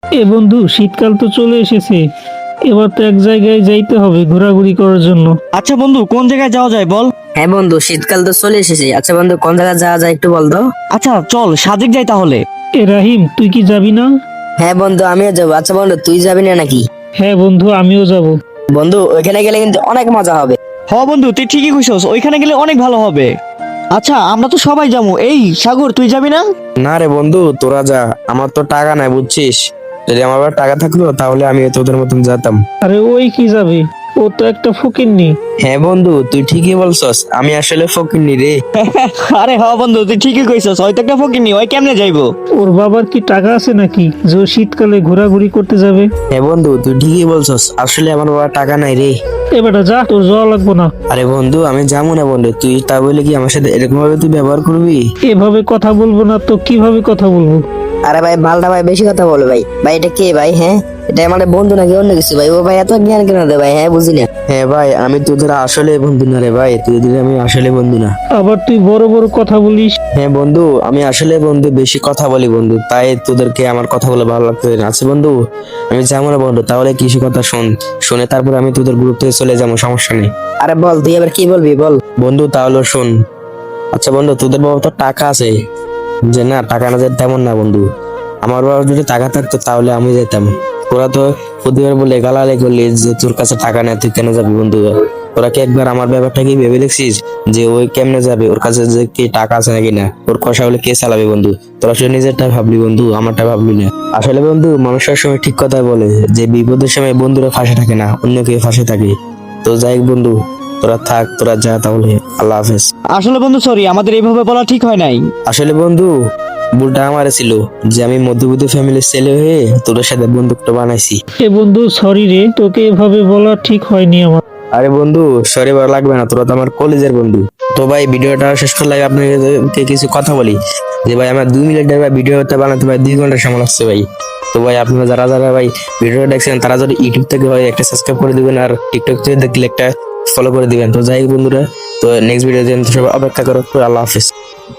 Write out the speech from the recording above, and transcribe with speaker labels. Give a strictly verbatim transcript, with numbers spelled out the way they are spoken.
Speaker 1: এ বন্ধু, শীতকাল তো চলে এসেছে। এবার তো এক জায়গায় যাইতে হবে ঘোরাঘুরি করার জন্য।
Speaker 2: আচ্ছা বন্ধু, কোন জায়গায় যাওয়া যায় বল?
Speaker 3: হ্যাঁ বন্ধু, শীতকাল তো চলে এসেছে। আচ্ছা বন্ধু, কোন জায়গায় যাওয়া যায় একটু বল তো।
Speaker 2: আচ্ছা চল সাজেক যাই তাহলে।
Speaker 1: এ রাহিম, তুই কি যাবি না?
Speaker 3: হ্যাঁ বন্ধু, আমিও যাবো। আচ্ছা বন্ধু, তুই যাবি না নাকি?
Speaker 1: হ্যাঁ বন্ধু, আমিও যাব।
Speaker 3: বন্ধু, ওইখানে গেলে কিন্তু অনেক মজা হবে।
Speaker 2: হ বন্ধু, তুই ঠিকই কইছস, ওইখানে গেলে অনেক ভালো হবে। আচ্ছা আমরা তো সবাই যাবো। এই সাগর, তুই যাবি না?
Speaker 4: না রে বন্ধু, তোরা যা, আমার তো টাকা নাই বুঝছিস। যদি আমার আবার টাকা থাকলো তাহলে আমি তোদের মতন যেতাম।
Speaker 1: আরে ওই কি যাবে, ও তো একটা ফকিন্নি।
Speaker 4: হ্যাঁ বন্ধু, তুই ঠিকই বলছস, আমি আসলে ফকিন্নি রে।
Speaker 2: আরে হ বন্ধু, তুই ঠিকই কইছস, হয়তো একটা ফকিনি, ওই কেমনে যাইবো?
Speaker 1: ওর বাবার কি টাকা আছে নাকি যে ও শীতকালে ঘোরাঘুরি করতে যাবে?
Speaker 4: হ্যাঁ বন্ধু, তুই ঠিকই বলছস, আসলে আমার বাবা টাকা নাই রে।
Speaker 1: এবারটা যা, তোর যাওয়া লাগবো না।
Speaker 4: আরে বন্ধু, আমি যাবো না বন্ধু, তুই তা বলে কি আমার সাথে এরকম ভাবে তুই ব্যবহার করবি?
Speaker 1: এভাবে কথা বলবো না তো কিভাবে কথা বলবো?
Speaker 3: আরে ভাই, মালটা ভাই বেশি কথা বলে ভাই। ভাই এটা কে ভাই? হ্যাঁ, এটা আমাদের বন্ধু নাকি অন্য কিছু ভাই? ও ভাই এত জ্ঞান কেন দেয় ভাই? হ্যাঁ, বুঝি না।
Speaker 4: হ্যাঁ ভাই, আমি তোদের আসলে বন্ধু না রে ভাই, তোদের আমি আসলে বন্ধু না।
Speaker 1: আবার তুই বড় বড় কথা বলিস।
Speaker 4: হ্যাঁ বন্ধু, আমি আসলে বন্ধু বেশি কথা বলি বন্ধু, তাই তোদেরকে আমার কথাগুলো ভালো লাগতে না। আছে বন্ধু, আমি যাবো না বন্ধু, তাহলে কিছু কথা শোন, শুনে তারপর আমি তোদের গ্রুপ থেকে চলে যাবো, সমস্যা নেই।
Speaker 3: আরে বল, তুই এবার কি বলবি বল।
Speaker 4: বন্ধু তাহলে শোন। আচ্ছা বন্ধু, তোদের বাবা তো টাকা আছে যে না, টাকা না যে তেমন না বন্ধু। আমার বাবা যদি টাকা থাকতো তাহলে আমি যেতাম। তোরা তো প্রতিবার বলে গালাগালি করলি যে তোর কাছে টাকা নেই, তুই কেন যাবি বন্ধু? তোরা কি একবার আমার ব্যাপারটা কি ভেবে দেখছিস যে ওই কেমনে যাবে? ওর কাছে যে কি টাকা আছে নাকি না, ওর কষা হলে কে চালাবে বন্ধু? তোরা শুধু নিজেরটা ভাবলি বন্ধু, আমারটা ভাবলি না। আসলে বন্ধু, মানুষের সময় ঠিক কথা বলে যে বিপদের সময় বন্ধুরা ফাঁসে থাকে না, অন্য কেউ ফাঁসে থাকে। তো যাই হোক বন্ধু, তোরা থাক, তোরা যা তাহলে, আল্লাহ হাফেজ।
Speaker 2: আসলে বন্ধু সরি, আমাদের এইভাবে বলা ঠিক হয় নাই।
Speaker 4: আসলে বন্ধু, ভুলটা আমার ছিল যে আমি মধ্যবিত্ত ফ্যামিলির ছেলে হয়ে তোদের সাথে বন্ধুত্ব বানাইছি।
Speaker 1: এ বন্ধু, সরি রে, তোকে এভাবে বলা ঠিক হয়নি আমার।
Speaker 4: আরে বন্ধু, সরি বলা লাগবে না, তোরা তো আমার কলেজের বন্ধু। তো ভাই, ভিডিওটা শেষ করলে আপনাকে কিছু কথা বলি যে ভাই, আমার দুই মিনিটের ভাই ভিডিওটা বানাতে ভাই দুই ঘন্টা সময় লাগছে ভাই। তো ভাই, আপনারা যারা যারা ভাই ভিডিওটা দেখছেন তারা যদি ইউটিউব থেকে ভাই একটা সাবস্ক্রাইব করে দিবেন, আর টিকটক থেকে দেখলে একটা ফলো করে দিবেন। তো যাই হোক বন্ধুরা, তো নেক্সট ভিডিও সবাই অপেক্ষা করো। আল্লাহ হাফিজ।